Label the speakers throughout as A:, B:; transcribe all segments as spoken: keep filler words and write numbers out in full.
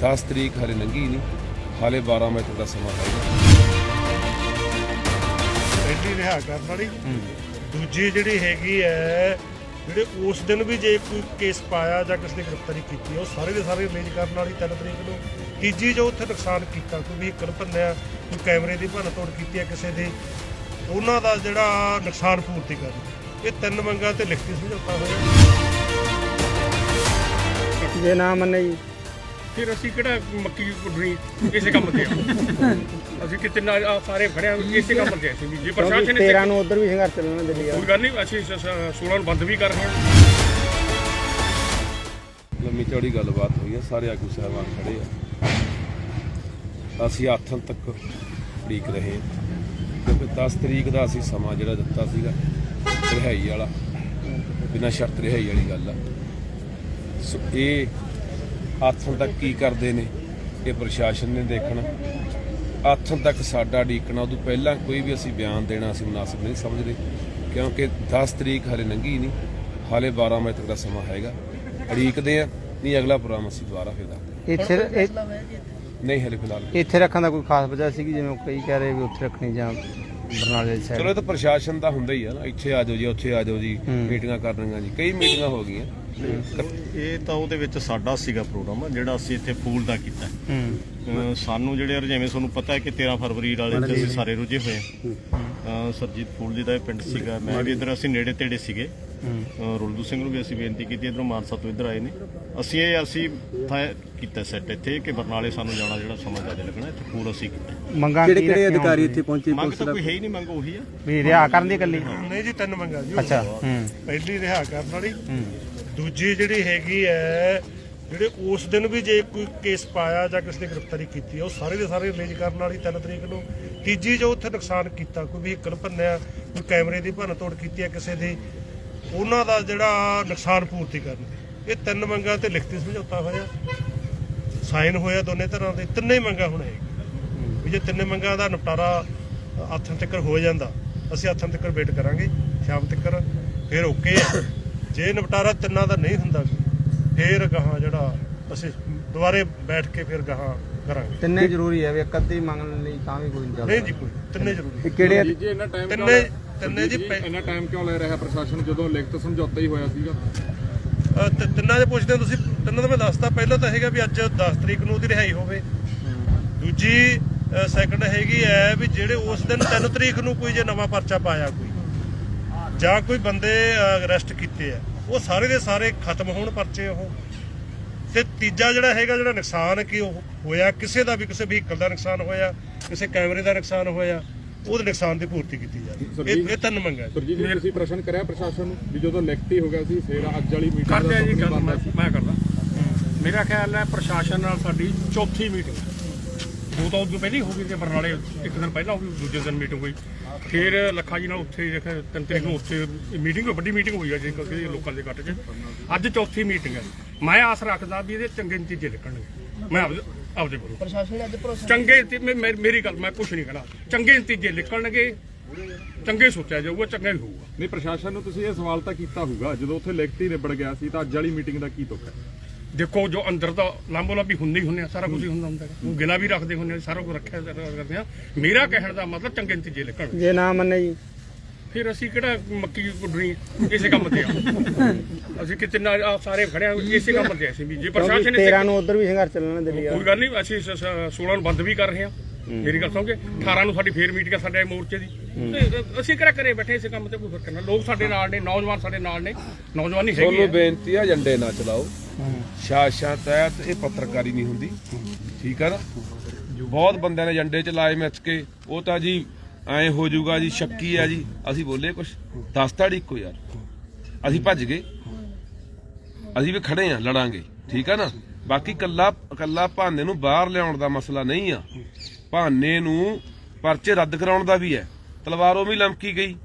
A: दस तरीक हाले लंघी नहीं, हाले बारह मई तक का समा है।
B: पहली रिहा करने वाली दूजी जिहड़ी हैगी है ਜਿਹੜੇ ਉਸ ਦਿਨ ਵੀ ਜੇ ਕੋਈ ਕੇਸ ਪਾਇਆ ਜਾਂ ਕਿਸੇ ਨੇ ਗ੍ਰਿਫਤਾਰੀ ਕੀਤੀ ਉਹ ਸਾਰੇ ਦੇ ਸਾਰੇ ਰਿਲੀਜ਼ ਕਰਨ ਵਾਲੀ ਤਿੰਨ ਤਰੀਕ ਨੂੰ। ਤੀਜੀ ਜੋ ਉੱਥੇ ਨੁਕਸਾਨ ਕੀਤਾ, ਕੋਈ ਵਹੀਕਲ ਭੰਨਿਆ, ਕੋਈ ਕੈਮਰੇ ਦੀ ਭੰਨ ਤੋੜ ਕੀਤੀ ਹੈ ਕਿਸੇ ਦੀ, ਉਹਨਾਂ ਦਾ ਜਿਹੜਾ ਨੁਕਸਾਨ ਪੂਰਤੀ ਕਰਨੀ। ਇਹ ਤਿੰਨ ਮੰਗਾਂ ਤੇ ਲਿਖਤੀ ਸਮਝੌਤਾ ਹੋਇਆ।
C: ਜੇ ਨਾ ਮੰਨੇ ਜੀ
D: ਫਿਰ ਅਸੀਂ ਕਿਹੜਾ ਮੱਕੀ ਗੁੱਡਣੀ ਇਸੇ ਕੰਮ ਤੇ ਆ। ਅਸੀਂ ਕਿਤੇ ਨਾ ਸਾਰੇ ਖੜਿਆ ਇਸੇ ਕੰਮ ਤੇ ਅਸੀਂ ਵੀ ਜੇ ਪ੍ਰਸ਼ਾਸਨ ਨੇ
C: ਤੇਰਾਂ ਨੂੰ ਉਧਰ ਵੀ ਸੰਘਰਸ਼ ਚੱਲਣਾ ਦਿੱਲੀ
D: ਕੋਈ ਗੱਲ ਨਹੀਂ, ਅਸੀਂ ਸੋਲਾਂ ਨੂੰ ਬੰਦ ਵੀ ਕਰ ਰਹੇ ਹਾਂ।
A: ਲੰਮੀ ਚੌੜੀ ਗੱਲਬਾਤ ਹੋਈ ਹੈ, ਸਾਰੇ ਆਗੂ ਸਾਹਿਬਾਨ ਖੜੇ ਆ। ਅਸੀਂ ਆਥਣ ਤੱਕ ਉਡੀਕ ਰਹੇ ਕਿਉਂਕਿ ਦਸ ਤਰੀਕ ਦਾ ਅਸੀਂ ਸਮਾਂ ਜਿਹੜਾ ਦਿੱਤਾ ਸੀਗਾ ਰਿਹਾਈ ਵਾਲਾ, ਬਿਨਾਂ ਸ਼ਰਤ ਰਿਹਾਈ ਵਾਲੀ ਗੱਲ ਆ। ਸੋ ਇਹ ਆਥਣ ਤੱਕ ਕੀ ਕਰਦੇ ਨੇ ਇਹ ਪ੍ਰਸ਼ਾਸਨ ਨੇ ਦੇਖਣਾ। ਆਥਣ ਤੱਕ ਸਾਡਾ ਉਡੀਕਣਾ, ਉਦੋਂ ਪਹਿਲਾਂ ਕੋਈ ਵੀ ਅਸੀਂ ਬਿਆਨ ਦੇਣਾ ਅਸੀਂ ਮੁਨਾਸਿਬ ਨਹੀਂ ਸਮਝਦੇ ਕਿਉਂਕਿ ਦਸ ਤਰੀਕ ਹਾਲੇ ਲੰਘੀ ਨਹੀਂ, ਹਾਲੇ ਬਾਰ੍ਹਾਂ ਮਈ ਤੱਕ ਦਾ ਸਮਾਂ ਹੈਗਾ। ਉਡੀਕਦੇ ਆ, ਨਹੀਂ ਅਗਲਾ ਪ੍ਰੋਗਰਾਮ ਅਸੀਂ ਦੁਬਾਰਾ ਫਿਰ ਦੱਸਦੇ।
C: ਇੱਥੇ
A: ਨਹੀਂ ਹਲੇ ਫਿਲਹਾਲ
C: ਇੱਥੇ ਰੱਖਣ ਦਾ ਕੋਈ ਖਾਸ ਵਜ੍ਹਾ ਸੀਗੀ, ਜਿਵੇਂ ਕਈ ਕਹਿ ਰਹੇ ਵੀ ਉੱਥੇ ਰੱਖਣੀ ਜਾਂ ਬਰਨਾਲੇ ਸਾਈਡ?
A: ਚਲੋ ਇਹ ਤਾਂ ਪ੍ਰਸ਼ਾਸਨ ਦਾ ਹੁੰਦਾ ਹੀ ਆ ਨਾ, ਇੱਥੇ ਆ ਜਾਓ ਜੀ, ਉੱਥੇ ਆ ਜਾਓ ਜੀ, ਮੀਟਿੰਗਾਂ ਕਰਨੀਆਂ ਜੀ, ਕਈ ਮੀਟਿੰਗਾਂ ਹੋ ਗਈਆਂ।
E: ਇਹ ਤਾਂ ਉਹਦੇ ਵਿੱਚ ਸਾਡਾ ਸੀਗਾ ਪ੍ਰੋਗਰਾਮ ਜਿਹੜਾ ਅਸੀਂ ਇੱਥੇ ਫੂਲ ਦਾ ਕੀਤਾ। ਅਹ ਸਾਨੂੰ ਜਿਹੜੇ ਜਿਵੇਂ ਤੁਹਾਨੂੰ ਪਤਾ ਹੈ ਕਿ ਤੇਰਾਂ ਫਰਵਰੀ ਵਾਲੇ ਤੇ ਅਸੀਂ ਸਾਰੇ ਰੁੱਝੇ ਹੋਏ ਹਾਂ। ਸਰਜੀਤ ਫੂਲ ਜੀ ਦਾ ਇਹ ਪਿੰਡ ਸੀਗਾ, ਮੈਂ ਵੀ ਇੱਧਰ ਅਸੀਂ ਨੇੜੇ ਤੇੜੇ ਸੀਗੇ। ਰੁਲਦੂ ਸਿੰਘ ਨੂੰ ਵੀ ਅਸੀਂ ਬੇਨਤੀ ਕੀਤੀ, ਇੱਧਰੋਂ ਮਾਨਸਾ ਤੋਂ ਇੱਧਰ ਆਏ ਨੇ। ਅਸੀਂ ਇਹ ਅਸੀਂ ਕੀਤਾ ਸੈੱਟ ਇੱਥੇ ਕਿ ਬਰਨਾਲੇ ਸਾਨੂੰ ਜਾਣਾ ਜਿਹੜਾ ਸਮਾਂ ਜ਼ਿਆਦਾ ਲੱਗਣਾ, ਇੱਥੇ ਫੂਲ ਅਸੀਂ ਕੀਤਾ।
C: ਮੰਗਾਂ ਕਿਹੜੇ ਕਿਹੜੇ ਅਧਿਕਾਰੀ ਇੱਥੇ ਪਹੁੰਚੇ?
E: ਮੰਗ ਤਾਂ ਕੋਈ ਹੈ ਹੀ ਨਹੀਂ, ਮੰਗ ਉਹੀ ਆ
C: ਵੀ ਰਿਹਾ ਕਰਨ ਦੀ ਇਕੱਲੀ?
B: ਨਹੀਂ ਜੀ, ਤਿੰਨ ਮੰਗਾਂ ਜੀ।
C: ਅੱਛਾ।
B: ਪਹਿਲੀ ਰਿਹਾ ਕਰਨ ਵਾਲੀ, ਦੂਜੀ ਜਿਹੜੀ ਹੈਗੀ ਹੈ ਜਿਹੜੇ ਉਸ ਦਿਨ ਵੀ ਜੇ ਕੋਈ ਕੇਸ ਪਾਇਆ ਜਾਂ ਕਿਸੇ ਨੇ ਗ੍ਰਿਫਤਾਰੀ ਕੀਤੀ ਉਹ ਸਾਰੇ ਦੇ ਸਾਰੇ ਰਿਲੀਜ਼ ਕਰਨ ਵਾਲੀ ਤਿੰਨ ਤਰੀਕ ਨੂੰ। ਤੀਜੀ ਜੋ ਉੱਥੇ ਨੁਕਸਾਨ ਕੀਤਾ, ਕੋਈ ਵਹੀਕਲ ਭੰਨਿਆ, ਕੋਈ ਕੈਮਰੇ ਦੀ ਭੰਨ ਤੋੜ ਕੀਤੀ ਹੈ ਕਿਸੇ ਦੀ, ਉਹਨਾਂ ਦਾ ਜਿਹੜਾ ਨੁਕਸਾਨ ਪੂਰਤੀ ਕਰਨੀ। ਇਹ ਤਿੰਨ ਮੰਗਾਂ ਤੇ ਲਿਖਤੀ ਸਮਝੌਤਾ ਹੋਇਆ, ਸਾਈਨ ਹੋਇਆ ਦੋਨੇ ਤਰ੍ਹਾਂ ਦੇ। ਤਿੰਨੇ ਮੰਗਾਂ ਹੁਣ ਹੈਗੀਆਂ ਵੀ ਜੇ ਤਿੰਨੇ ਮੰਗਾਂ ਦਾ ਨਿਪਟਾਰਾ ਆਥਣ ਤੱਕ ਹੋ ਜਾਂਦਾ, ਅਸੀਂ ਆਥਣ ਤੱਕ ਵੇਟ ਕਰਾਂਗੇ ਸ਼ਾਮ ਤੱਕ, ਫਿਰ ਓਕੇ ਆ। ਜੇ ਨਿਪਟਾਰਾ ਤਿੰਨਾਂ ਦਾ ਨਹੀਂ ਹੁੰਦਾ ਫਿਰ ਗਾਹਾਂ ਜਿਹੜਾ ਅਸੀਂ ਦੁਬਾਰੇ ਬੈਠ ਕੇ ਫਿਰ ਗਾਹਾਂ ਕਰਾਂਗੇ।
C: ਤਿੰਨੇ ਜ਼ਰੂਰੀ ਹੈ ਵੀ ਇੱਕ ਅੱਧੀ ਮੰਗਣ ਲਈ ਤਾਂ ਵੀ ਕੋਈ ਨਹੀਂ ਚੱਲਦਾ?
B: ਨਹੀਂ ਜੀ, ਕੋਈ ਤਿੰਨੇ ਜ਼ਰੂਰੀ।
C: ਕਿਹੜੇ
D: ਜੀ ਇੰਨਾ ਟਾਈਮ
B: ਤਿੰਨੇ ਤਿੰਨੇ ਜੀ
D: ਇੰਨਾ ਟਾਈਮ ਕਿਉਂ ਲੈ ਰਿਹਾ ਪ੍ਰਸ਼ਾਸਨ ਜਦੋਂ ਲਿਖਤ ਸਮਝੌਤਾ ਹੀ ਹੋਇਆ ਸੀਗਾ?
B: ਅਹ ਤ- ਤਿੰਨਾਂ ਦੇ ਪੁੱਛਦੇ ਹੋ ਤੁਸੀਂ? ਤਿੰਨਾਂ ਦਾ ਮੈਂ ਦੱਸਦਾ। ਪਹਿਲਾਂ ਤਾਂ ਹੈਗਾ ਵੀ ਅੱਜ ਦਸ ਤਰੀਕ ਨੂੰ ਉਹਦੀ ਰਿਹਾਈ ਹੋਵੇ। ਦੂਜੀ ਸੈਕੰਡ ਹੈਗੀ ਹੈ ਵੀ ਜਿਹੜੇ ਉਸ ਦਿਨ ਤਿੰਨ ਤਰੀਕ ਨੂੰ ਕੋਈ ਜੇ ਨਵਾਂ ਪਰਚਾ ਪਾਇਆ ਕੋਈ ਜਾਂ ਕੋਈ ਬੰਦੇ ਅਰੈਸਟ ਕੀਤੇ ਆ ਉਹ ਸਾਰੇ ਦੇ ਸਾਰੇ ਖਤਮ ਹੋਣ ਪਰਚੇ ਉਹ। ਤੇ ਤੀਜਾ ਜਿਹੜਾ ਹੈਗਾ ਜਿਹੜਾ ਨੁਕਸਾਨ ਕੀ ਉਹ ਹੋਇਆ ਕਿਸੇ ਦਾ ਵੀ, ਕਿਸੇ ਵਹੀਕਲ ਦਾ ਨੁਕਸਾਨ ਹੋਇਆ, ਕਿਸੇ ਕੈਮਰੇ ਦਾ ਨੁਕਸਾਨ ਹੋਇਆ, ਉਹਦੇ ਨੁਕਸਾਨ ਦੀ ਪੂਰਤੀ ਕੀਤੀ ਜਾਵੇ। ਇਹ ਇਹ ਤਿੰਨ ਮੰਗਾਂ।
D: ਜੀ ਤੁਸੀਂ ਪ੍ਰਸ਼ਨ ਕਰਿਆ ਪ੍ਰਸ਼ਾਸਨ ਨੂੰ ਵੀ ਜਦੋਂ ਲਿਖਤੀ ਹੋ ਗਿਆ ਸੀ ਫਿਰ ਅੱਜ ਵਾਲੀ ਮੀਟਿੰਗ ਕਰਦੇ ਆ ਜੀ? ਗੱਲ ਮੈਂ ਕਰਦਾ। ਮੇਰਾ ਖਿਆਲ ਹੈ ਪ੍ਰਸ਼ਾਸਨ ਨਾਲ ਸਾਡੀ ਚੌਥੀ ਮੀਟਿੰਗ, ਦੋ ਤਾਂ ਉਦੋਂ ਪਹਿਲਾਂ ਹੀ ਹੋ ਗਈ ਤੇ ਬਰਨਾਲੇ ਇੱਕ ਦਿਨ ਪਹਿਲਾਂ ਹੋ ਗਈ, ਦੂਜੇ ਦਿਨ ਮੀਟਿੰਗ ਹੋਈ। ਫਿਰ ਲੱਖਾ ਜੀ ਨਾਲ ਉੱਥੇ ਤਿੰਨ ਤਰੀਕ ਨੂੰ ਉੱਥੇ ਮੀਟਿੰਗ ਵੱਡੀ ਮੀਟਿੰਗ ਹੋਈ ਹੈ ਜੀ ਕਿਉਂਕਿ ਲੋਕਾਂ ਦੇ ਇਕੱਠ 'ਚ। ਅੱਜ ਚੌਥੀ ਮੀਟਿੰਗ ਹੈ। ਮੈਂ ਆਸ ਰੱਖਦਾ ਵੀ ਇਹਦੇ ਚੰਗੇ ਨਤੀਜੇ ਨਿਕਲਣਗੇ। ਮੈਂ ਆਪਦੇ ਆਪਦੇ ਬੋਲੂ ਪ੍ਰਸ਼ਾਸਨ ਨੇ ਅੱਜ ਭਰੋਸਾ ਚੰਗੇ, ਮੇਰੀ ਗੱਲ ਮੈਂ ਕੁਛ ਨਹੀਂ ਕਹਿਣਾ, ਚੰਗੇ ਨਤੀਜੇ ਨਿਕਲਣਗੇ, ਚੰਗੇ ਸੋਚਿਆ ਜਾਊਗਾ, ਚੰਗਾ ਹੀ ਹੋਊਗਾ।
F: ਨਹੀਂ ਪ੍ਰਸ਼ਾਸਨ ਨੂੰ ਤੁਸੀਂ ਇਹ ਸਵਾਲ ਤਾਂ ਕੀਤਾ ਹੋਊਗਾ ਜਦੋਂ ਉੱਥੇ ਲਿਖਤੀ ਨਿਬੜ ਗਿਆ ਸੀ ਤਾਂ ਅੱਜ ਵਾਲੀ ਮੀਟਿੰਗ ਦਾ ਕੀ ਤੁਕ ਹੈ?
D: ਦੇਖੋ ਜੋ ਅੰਦਰ ਦਾ ਲਾਂਬੋ ਲਾਂਬੀ ਹੁੰਦੇ ਹੀ ਹੁੰਦੇ ਆ, ਸਾਰਾ ਕੁਝ ਹੀ ਹੁੰਦਾ ਹੁੰਦਾ ਉਹ ਗਿਲਾ ਵੀ ਰੱਖਦੇ ਹੁੰਦੇ ਆ, ਸਾਰਾ ਕੁਝ ਰੱਖਿਆ ਕਰਦੇ ਆ। ਮੇਰਾ ਕਹਿਣ ਦਾ ਮਤਲਬ ਚੰਗੇ ਨਤੀਜੇ ਨਿਕਲਣ।
C: ਜੇ ਨਾ ਮੰਨੇ ਜੀ
D: ਫਿਰ ਅਸੀਂ ਕਿਹੜਾ ਮੱਕੀ ਗੁੱਡਣੀ ਇਸੇ ਕੰਮ ਤੇ ਆ। ਅਸੀਂ ਕਿਤੇ ਨਾ ਸਾਰੇ ਖੜਿਆ ਇਸੇ ਕੰਮ ਤੇ ਅਸੀਂ ਵੀ ਜੇ ਪ੍ਰਸ਼ਾਸਨ ਨੇ
C: ਤੇਰਾਂ ਨੂੰ ਉਧਰ ਵੀ ਸੰਘਰਸ਼ ਚੱਲਣਾ ਦਿੱਲੀ?
D: ਕੋਈ ਗੱਲ ਨਹੀਂ, ਅਸੀਂ ਸੋਲਾਂ ਨੂੰ ਬੰਦ ਵੀ ਕਰ ਰਹੇ ਹਾਂ। ਮੇਰੀ ਗੱਲ ਸੁਣੋਗੇ, ਅਠਾਰਾਂ ਨੂੰ ਸਾਡੀ ਫੇਰ ਮੀਟਿੰਗ ਸਾਡੇ ਮੋਰਚੇ ਦੀ। ਅਸੀਂ ਕਿਹੜਾ ਕਰੇ ਬੈਠੇ ਇਸੇ ਕੰਮ ਤੇ ਕੋਈ ਫਰਕ ਨਹੀਂ। ਲੋਕ ਸਾਡੇ ਨਾਲ ਨੇ, ਨੌਜਵਾਨ ਸਾਡੇ ਨਾਲ ਨੇ, ਨੌਜਵਾਨੀ ਹੈਗੀ।
A: ਤੁਹਾਨੂੰ ਬੇਨਤੀ ਆ ਝੰਡੇ ਨਾ ਚਲਾਓ, ਸ਼ਾਸ਼ਾਂ ਤਹਿਤ ਇਹ ਪੱਤਰਕਾਰੀ ਨਹੀਂ ਹੁੰਦੀ, ਠੀਕ ਆ ਨਾ। ਬਹੁਤ ਬੰਦਿਆਂ ਨੇ ਝੰਡੇ ਚਲਾਏ ਮਿੱਥ ਕੇ, ਉਹ ਤਾਂ ਜੀ ਐਂ ਹੋ ਜਾਊਗਾ ਜੀ, ਸ਼ੱਕੀ ਆ ਜੀ। ਅਸੀਂ ਬੋਲੇ ਕੁਛ ਦਸ ਤਾੜੀ ਇੱਕੋ ਯਾਰ, ਅਸੀਂ ਭੱਜ ਗਏ, ਅਸੀਂ ਵੀ ਖੜੇ ਆ, ਲੜਾਂਗੇ, ਠੀਕ ਆ ਨਾ। ਬਾਕੀ ਕੱਲਾ ਕੱਲਾ ਭਾਨੇ ਨੂੰ ਬਾਹਰ ਲਿਆਉਣ ਦਾ ਮਸਲਾ ਨਹੀਂ ਆ, ਭਾਨੇ ਨੂੰ ਪਰਚੇ ਰੱਦ ਕਰਾਉਣ ਦਾ ਵੀ ਹੈ। ਤਲਵਾਰੋਂ ਵੀ ਲਮਕੀ ਗਈ,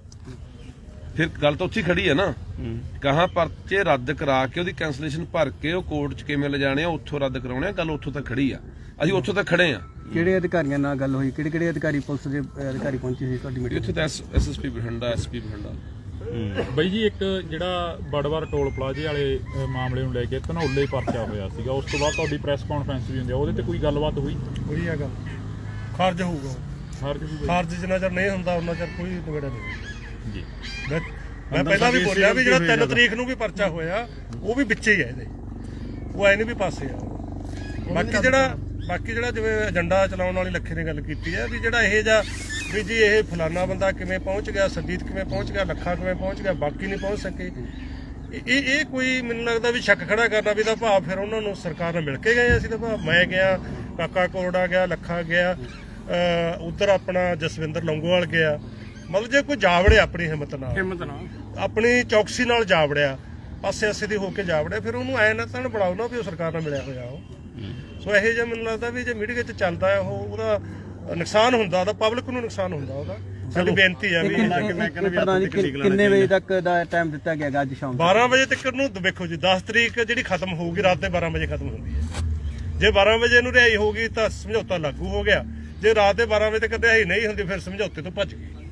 A: ਫਿਰ ਗੱਲ ਤਾਂ ਉੱਥੇ ਖੜੀ ਹੈ ਨਾ। ਕਹਾਂ ਪਰਚੇ ਰੱਦ ਕਰਾ ਕੇ ਉਹਦੀ ਕੈਂਸਲੇਸ਼ਨ ਭਰ ਕੇ ਉਹ ਕੋਰਟ 'ਚ ਕਿਵੇਂ ਲਿਜਾਣੇ ਆ, ਉੱਥੋਂ ਰੱਦ ਕਰਾਉਣੇ ਆ, ਗੱਲ ਉੱਥੋਂ ਤੱਕ ਖੜੀ ਆ। ਅਸੀਂ ਉੱਥੋਂ ਤੱਕ ਖੜੇ ਆ।
C: ਕਿਹੜੇ ਅਧਿਕਾਰੀਆਂ ਨਾਲ ਗੱਲ ਹੋਈ? ਕਿਹੜੇ ਕਿਹੜੇ ਅਧਿਕਾਰੀ ਪੁਲਿਸ ਦੇ ਅਧਿਕਾਰੀ ਪਹੁੰਚੇ ਸੀ ਤੁਹਾਡੀ ਮੀਟਿੰਗ?
A: ਇੱਥੇ ਤਾਂ S S P Bathinda, S P Bathinda,
G: ਬਈ ਜੀ ਇੱਕ ਜਿਹੜਾ ਬੜਵਾਰ ਟੋਲ ਪਲਾਜ਼ੇ ਵਾਲੇ ਅ, ਮਾਮਲੇ ਨੂੰ ਲੈ ਕੇ ਧਨੌਲੇ ਪਰਚਾ ਹੋਇਆ ਸੀਗਾ, ਉਸ ਤੋਂ ਬਾਅਦ ਤੁਹਾਡੀ ਪ੍ਰੈਸ ਕਾਨਫਰੰਸ ਵੀ ਹੁੰਦੀ ਆ, ਉਹਦੇ ਤੇ ਕੋਈ ਗੱਲਬਾਤ ਹੋਈ?
B: ਉਹੀ ਆ ਗੱਲ, ਖਾਰਜ ਹੋਊਗਾ
G: ਹਰ ਕਿਸੇ
B: ਖਾਰਜ ਜਿੰਨਾ ਚਿਰ ਨਹੀਂ ਹੁੰਦਾ ਉਹਨਾਂ ਚਿਰ ਕੋਈ ਨਿਬੇੜਾ ਨਹੀਂ
G: ਜੀ
B: ਮੈਂ ਮੈਂ ਪਹਿਲਾਂ ਵੀ ਬੋਲਿਆ ਵੀ ਜਿਹੜਾ ਤਿੰਨ ਤਰੀਕ ਨੂੰ ਵੀ ਪਰਚਾ ਹੋਇਆ ਉਹ ਵੀ ਵਿੱਚੇ ਹੀ ਹੈ ਇਹਦੇ, ਉਹ ਐ ਨਹੀਂ ਵੀ ਪਾਸੇ ਆ। ਬਾਕੀ ਜਿਹੜਾ ਬਾਕੀ ਜਿਹੜਾ ਜਿਵੇਂ ਏਜੰਡਾ ਚਲਾਉਣ ਵਾਲੀ ਲੱਖੇ ਨੇ ਗੱਲ ਕੀਤੀ ਹੈ ਵੀ ਜਿਹੜਾ ਇਹ ਜਾਂ ਵੀ ਜੀ ਇਹ ਫਲਾਨਾ ਬੰਦਾ ਕਿਵੇਂ ਪਹੁੰਚ ਗਿਆ, ਸਰਜੀਤ ਕਿਵੇਂ ਪਹੁੰਚ ਗਿਆ, ਲੱਖਾ ਕਿਵੇਂ ਪਹੁੰਚ ਗਿਆ, ਬਾਕੀ ਨਹੀਂ ਪਹੁੰਚ ਸਕੇ, ਇਹ ਇਹ ਕੋਈ ਮੈਨੂੰ ਲੱਗਦਾ ਵੀ ਸ਼ੱਕ ਖੜਾ ਕਰਨਾ ਵੀ ਤਾਂ ਭਾਵ ਫਿਰ ਉਹਨਾਂ ਨੂੰ ਸਰਕਾਰ ਨਾਲ ਮਿਲ ਕੇ ਗਏ ਅਸੀਂ ਤਾਂ ਭਾਵ ਮੈਂ ਗਿਆ, ਕਾਕਾ ਕੋਰੜਾ ਗਿਆ, ਲੱਖਾ ਗਿਆ, ਉਧਰ ਆਪਣਾ ਜਸਵਿੰਦਰ ਲੰਗੋਵਾਲ ਗਿਆ, ਮਤਲਬ ਜੇ ਕੋਈ ਜਾਵੜਿਆ ਆਪਣੀ ਹਿੰਮਤ ਨਾਲ
D: ਹਿੰਮਤ ਨਾਲ
B: ਆਪਣੀ ਚੌਕਸੀ ਨਾਲ ਜਾਵੜਿਆ, ਪਾਸੇ ਆਸੇ ਦੀ ਹੋ ਕੇ ਜਾਵੜਿਆ, ਫਿਰ ਉਹਨੂੰ ਐ ਨਾ ਤਾਂ ਬਣਾਓ ਨਾ ਵੀ ਉਹ ਸਰਕਾਰ ਨਾਲ ਮਿਲਿਆ ਹੋਇਆ ਉਹ। ਸੋ ਇਹੋ ਜਿਹਾ ਮੈਨੂੰ ਲੱਗਦਾ ਵੀ ਜੇ ਮੀਡੀਆ 'ਚ ਚੱਲਦਾ ਹੈ ਉਹ ਉਹਦਾ ਨੁਕਸਾਨ ਹੁੰਦਾ, ਉਹਦਾ ਪਬਲਿਕ ਨੂੰ ਨੁਕਸਾਨ ਹੁੰਦਾ ਉਹਦਾ। ਸਾਡੀ ਬੇਨਤੀ ਹੈ ਵੀ
C: ਪ੍ਰਧਾਨ ਜੀ ਕਿੰਨੇ ਵਜੇ ਤੱਕ ਦਾ ਟਾਈਮ ਦਿੱਤਾ ਗਿਆ ਅੱਜ ਸ਼ਾਮ
B: ਬਾਰਾਂ ਵਜੇ ਤੱਕ ਨੂੰ ਵੇਖੋ ਜੀ, ਦਸ ਤਰੀਕ ਜਿਹੜੀ ਖਤਮ ਹੋਊਗੀ ਰਾਤ ਦੇ ਬਾਰਾਂ ਵਜੇ ਖਤਮ ਹੁੰਦੀ ਹੈ। ਜੇ ਬਾਰਾਂ ਵਜੇ ਨੂੰ ਰਿਹਾਈ ਹੋਊਗੀ ਤਾਂ ਸਮਝੌਤਾ ਲਾਗੂ ਹੋ ਗਿਆ, ਜੇ ਰਾਤ ਦੇ ਬਾਰਾਂ ਵਜੇ ਤੱਕ ਰਿਹਾਈ ਨਹੀਂ ਹੁੰਦੀ ਫਿਰ ਸਮਝੌਤੇ ਤੋਂ ਭੱਜ ਗਏ।